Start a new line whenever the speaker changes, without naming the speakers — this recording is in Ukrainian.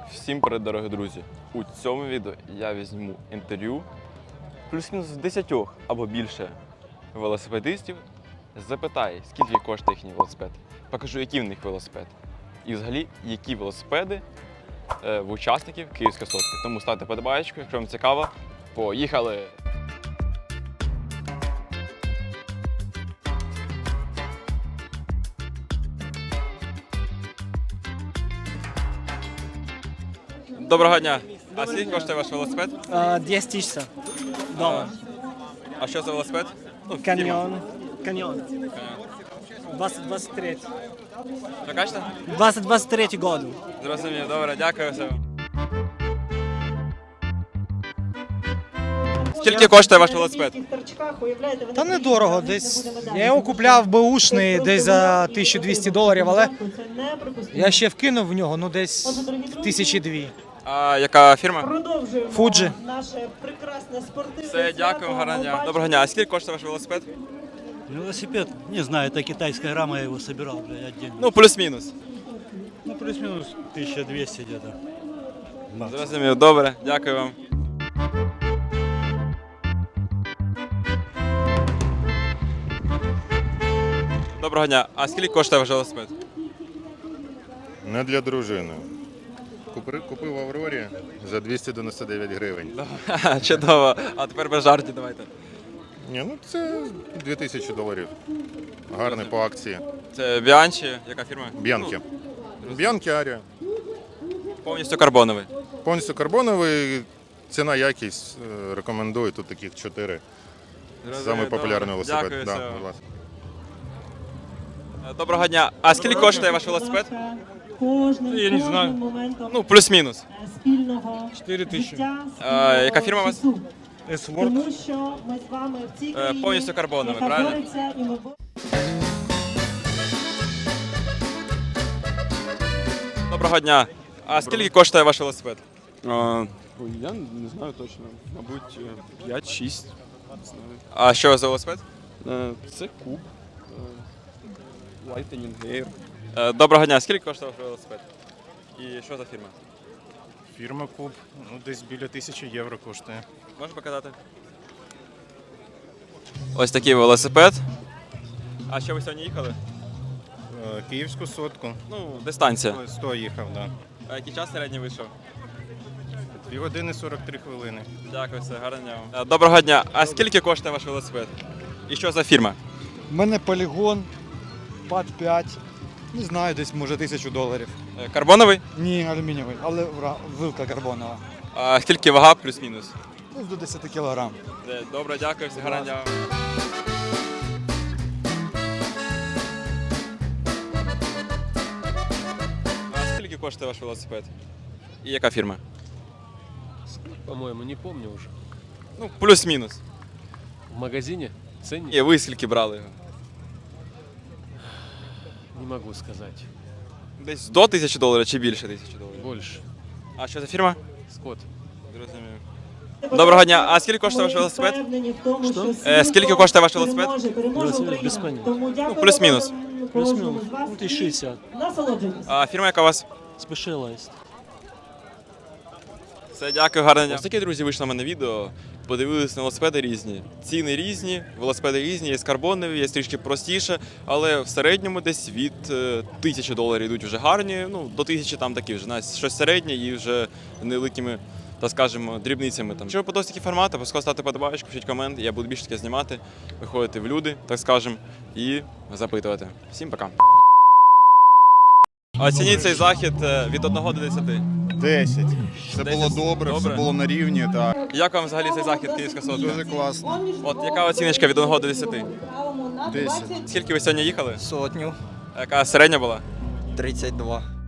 Всім привіт, дорогі друзі! У цьому відео я візьму інтерв'ю плюс-мінус в 10 або більше велосипедистів. Запитаю, скільки коштує їхній велосипед. Покажу, який в них велосипед. І взагалі, які велосипеди в учасників Київської сотки. Тому ставте подобаєчку, якщо вам цікаво. Поїхали! Доброго дня! А скільки коштує ваш велосипед?
10 тысяч долларов.
А що за велосипед?
Каньон. 2023.
Що кажете?
2023 году.
Зрозумів, добре, дякую все. Скільки коштує ваш велосипед?
Та недорого, десь я його купляв беушний десь за $1200, але я ще вкинув в нього, ну десь 1002.
А яка фірма?
Fuji.
Наше прекрасне спортивне
Все, дякую, гарного дня. Доброго дня. А скільки коштує ваш велосипед?
Велосипед, не знаю, это китайская рама, я его собирал, бля, отдельно.
Ну, плюс-мінус.
Ну, плюс-минус 1200 где-то.
Зрозумів, добре, дякую вам. Доброго дня. А скільки коштує ваш велосипед?
Не для дружини. Купив в Аврорі за 299 гривень.
Чудово. А тепер без жартів давайте.
Ні, ну це $2000. Гарний по акції.
Це Біанчі, яка фірма?
Б'янки. Б'янки Арія.
Повністю карбоновий.
Повністю карбоновий, ціна якість рекомендую. Тут таких 4. Самий популярний велосипед.
Дякую,
Да,
все.
будь ласка.
Доброго дня. А скільки коштує ваш велосипед?
Я не знаю.
Ну, плюс-мінус.
Спільного
4000.
Яка фірма у вас?
Тому що ми з вами в цій країні,
повністю карбоновий,
яка
правильно?
бореться, і ми
Доброго дня. А скільки коштує ваш велосипед?
Я не знаю точно. Мабуть, 5-6.
А що за велосипед?
Це куб. Lightning Air.
Доброго дня. Скільки коштує ваш велосипед? І що за фірма?
Фірма Куб, ну десь біля 1000 євро коштує.
Можеш показати? Ось такий велосипед. А що ви сьогодні їхали?
Київську сотку.
Ну, дистанція.
100 їхав, да.
А який час середній вийшов?
2 години 43 хвилини.
Дякую, все, гарного дня вам. Доброго дня. А скільки коштує ваш велосипед? І що за фірма?
У мене полігон, пад 5. Не знаю, десь може $1000.
Карбоновий?
Ні, алюмінієвий, але вилка карбонова.
А скільки вага плюс-мінус?
Десь до 10 кг.
Добре, дякую, все, гарного дня вам. А скільки коштує ваш велосипед? І яка фірма?
По-моему, не помню уже.
Ну, плюс-мінус.
В магазине ценник?
І ви скільки брали його?
Не могу сказать.
Десь до $1000 чи більше $1000?
Больше.
А що за фірма?
Скотт.
Зрозумів. Доброго дня. А скільки коштує ваш велосипед? Скільки коштує ваш велосипед?
Велосипед без поняття.
Ну, плюс-мінус.
Плюс-минус. 1060.
насолоджуйтесь.
А фірма яка у вас?
Specialized.
Все, дякую, гарного дня. Ось таке, друзі, вийшло в мене відео. Подивилися на велосипеди різні. Ціни різні, велосипеди різні, є карбонові, є трішки простіше, але в середньому десь від $1000 йдуть вже гарні, ну, до 1000 там такі вже, навіть щось середнє і вже невеликими, так скажемо, дрібницями. Якщо ви подобаються такі формати, обов'язково ставте подобаєчку, пишіть комент, я буду більше таке знімати, виходити в люди, так скажемо, і запитувати. Всім пока. Оцініть цей захід від 1 до 10.
10. Це
10.
було добре,
Добре.
все було на рівні, так.
Як вам взагалі цей захід Київська сотка?
Дуже класно.
От яка оціночка від 1 до 10?
10.
Скільки ви сьогодні їхали?
Сотню.
Яка середня була?
32.